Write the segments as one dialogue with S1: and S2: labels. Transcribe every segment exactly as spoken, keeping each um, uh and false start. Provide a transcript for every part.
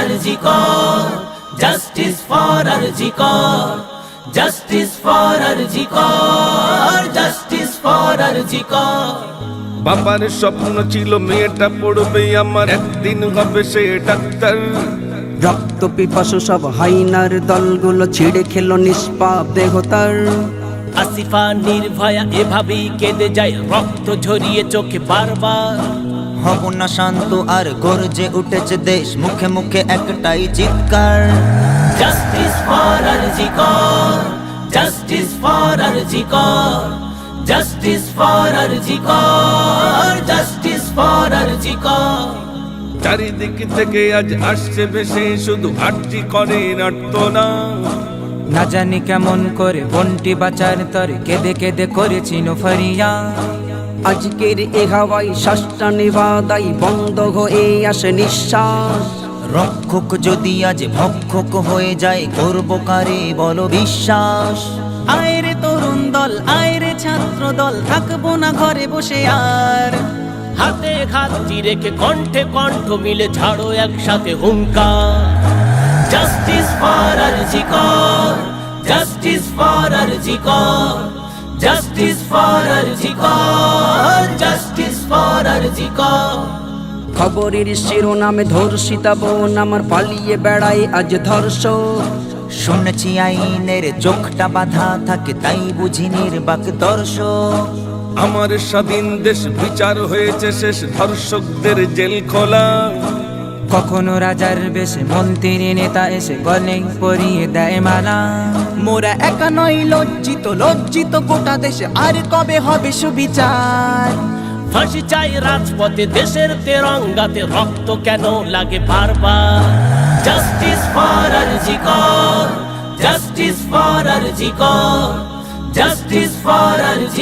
S1: RG Kar, justice for RG Kar, justice for RG Kar, justice for RG Kar.
S2: বাবার স্বপ্ন ছিল মেয়েটা পড়বে আমার, একদিন হবে সে ডাক্তার।
S3: রক্ত পিপাসু সব হাইনার দলগুলো ছিঁড়ে খেলো নিষ্পাপ দেহতার।
S1: আসিফা নির্ভয়া এভাবেই কেঁদে যায়, রক্ত ঝরিয়ে চোখে বারবার।
S4: হব না শান্ত আর গর্জে উঠেছে দেশ, মুখে মুখে একটাই চিৎকার।
S1: Justice for RG Kar, justice for RG Kar, justice for RG Kar, justice for RG Kar.
S2: চারিদিক থেকে আজ আসছে ভেসে শুধু আরজি করে নাট্যনা।
S5: না জানি কেমন করে বন্টি বাঁচার তরে কেঁদে কেঁদে করেছি ফরিয়া।
S3: আজকের এ হাওয়াই শ্বাসটা নেবাদাই বন্ধ হয়ে আসে নিঃশ্বাস।
S4: রক্ষক যদি আজ ভক্ষক হয়ে যায়, করব কারে বলো বিশ্বাস।
S6: আয়রে তরুণ দল, আয়রে ছাত্র দল, থাকবো না ঘরে বসে আর।
S1: হাতে হাতটি রেখে কণ্ঠে কণ্ঠ মিলে ছাড়ো একসাথে হুঙ্কার। Justice for RG Kar, justice for RG Kar, justice for RG Kar, justice for RG Kar.
S3: খবরের শিরোনামে ধর্ষিতা বোন আমার পালিয়ে বেড়ায় আজ ধর্ষক।
S4: শুনেছি আইনের চোখটা বাঁধা থাকে, তাই বুঝি নির্বাক দর্শক।
S2: আমার স্বাধীন দেশ বিচার হয়েছে শেষ, ধর্ষকদের জেল খোলা।
S5: কখনো রাজার বেশে মন্ত্রী নেতা এসে গলে পরিয়ে দেয় মালা।
S6: মোরা একা নয় লজ্জিত, লজ্জিত গোটা দেশে, আর কবে হবে সুবিচার।
S1: ফাঁসি চাই রাজপথে, দেশের তেরঙ্গাতে রক্ত কেন লাগে বারবার। Justice for RG Kar, justice for RG Kar, justice for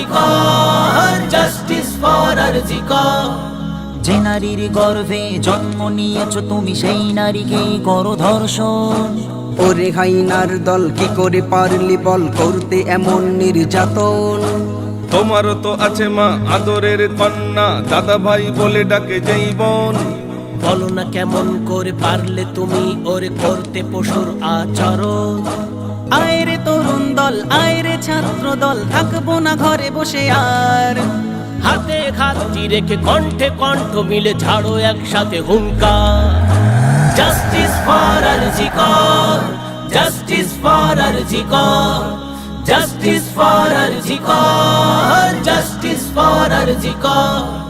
S1: RG Kar, justice for RG Kar.
S4: যে নারীর গর্ভে জন্ম নিয়েছ তুমি, সেই নারীকেই করো ধর্ষণ।
S3: ওরে হাইনার দল কি করে পারলি বল করতে এমন নির্যাতন।
S2: তোমারও তো আছে মা আদরের কন্যা, দাদা ভাই বলে ডাকে যেই বোন।
S1: বলো না কেমন করে পারলে তুমি ওরে করতে পশুর আচরণ।
S6: আয়রে তরুণ দল, আয়রে ছাত্র দল, থাকবো না ঘরে বসে আর।
S1: হাতে হাতটি রেখে কণ্ঠে কণ্ঠ মিলে ছাড়ো একসাথে হুঙ্কার। Justice for RG Kar, justice for RG Kar, justice for RG Kar, justice for RG Kar.